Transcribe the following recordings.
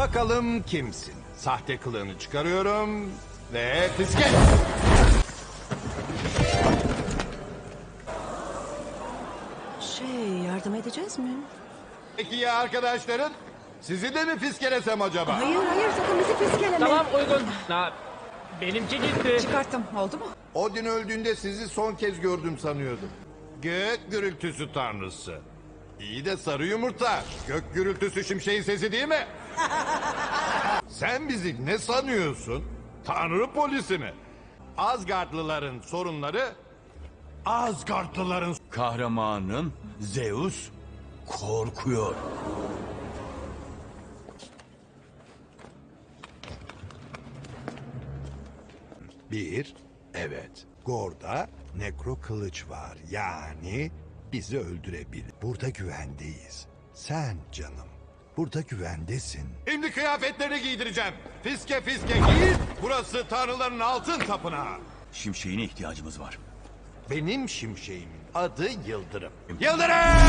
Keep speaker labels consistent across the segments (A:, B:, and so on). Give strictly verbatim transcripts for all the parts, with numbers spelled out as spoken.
A: Bakalım kimsin? Sahte kılığını çıkarıyorum ve fiske.
B: Şey, yardım edeceğiz mi?
A: Peki ya arkadaşların? Sizi de mi fiskelesem acaba?
B: Hayır hayır, sakın bizi fiskeleme.
C: Tamam uygun. Ha, benimki gitti.
B: Çıkarttım, oldu mu?
A: Odin öldüğünde sizi son kez gördüm sanıyordum. Gök gürültüsü tanrısı. İyi de sarı yumurta. Gök gürültüsü şimşeğin sesi değil mi? Sen bizi ne sanıyorsun? Tanrı polisi mi? Asgardlıların sorunları... Asgardlıların...
D: Kahramanın Zeus korkuyor.
A: Bir, evet. Gor'da nekro kılıç var. Yani bizi öldürebilir. Burada güvendeyiz. Sen canım, burada güvendesin. Şimdi kıyafetlerini giydireceğim. Fiske fiske giy. Burası tanrıların altın tapınağı.
D: Şimşeğine ihtiyacımız var.
A: Benim şimşeğimin adı Yıldırım. Yıldırım!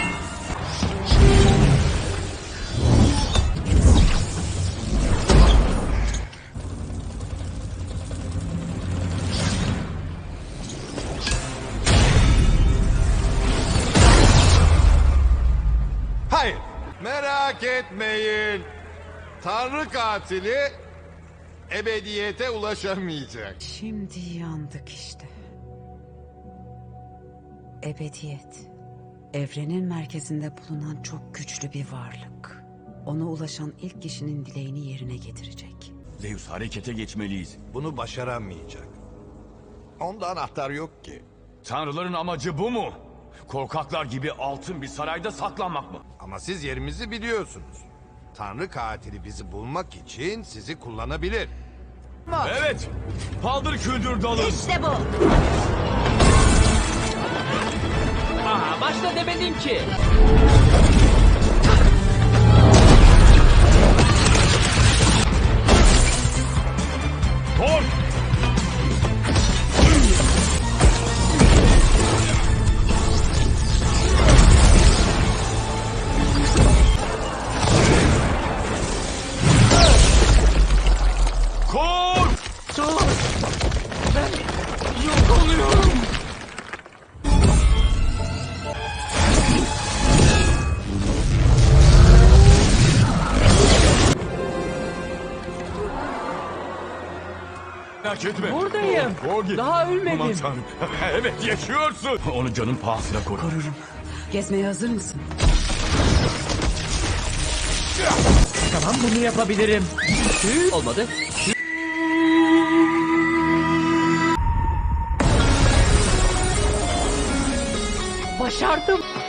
A: Hayır, merak etmeyin. Tanrı katili ebediyete ulaşamayacak.
B: Şimdi yandık işte. Ebediyet. Evrenin merkezinde bulunan çok güçlü bir varlık. Ona ulaşan ilk kişinin dileğini yerine getirecek.
D: Zeus harekete geçmeliyiz.
A: Bunu başaramayacak. Onda anahtar yok ki.
D: Tanrıların amacı bu mu? Korkaklar gibi altın bir sarayda saklanmak mı?
A: Ama siz yerimizi biliyorsunuz. Tanrı katili bizi bulmak için sizi kullanabilir.
D: Evet. Paldır küldür dalı.
B: İşte bu.
C: Aha, başta demedim ki.
D: Thor! Kor!
C: Dur. Ben yok oluyorum.
D: Merak etme.
C: Buradayım.
D: Korgi.
C: Daha ölmedim.
D: Aman tanrım. Evet yaşıyorsun. Onu canın pahasına koru.
B: Korurum. Gezmeye hazır mısın?
C: Tamam, bunu yapabilirim. Hı, olmadı. Başardım.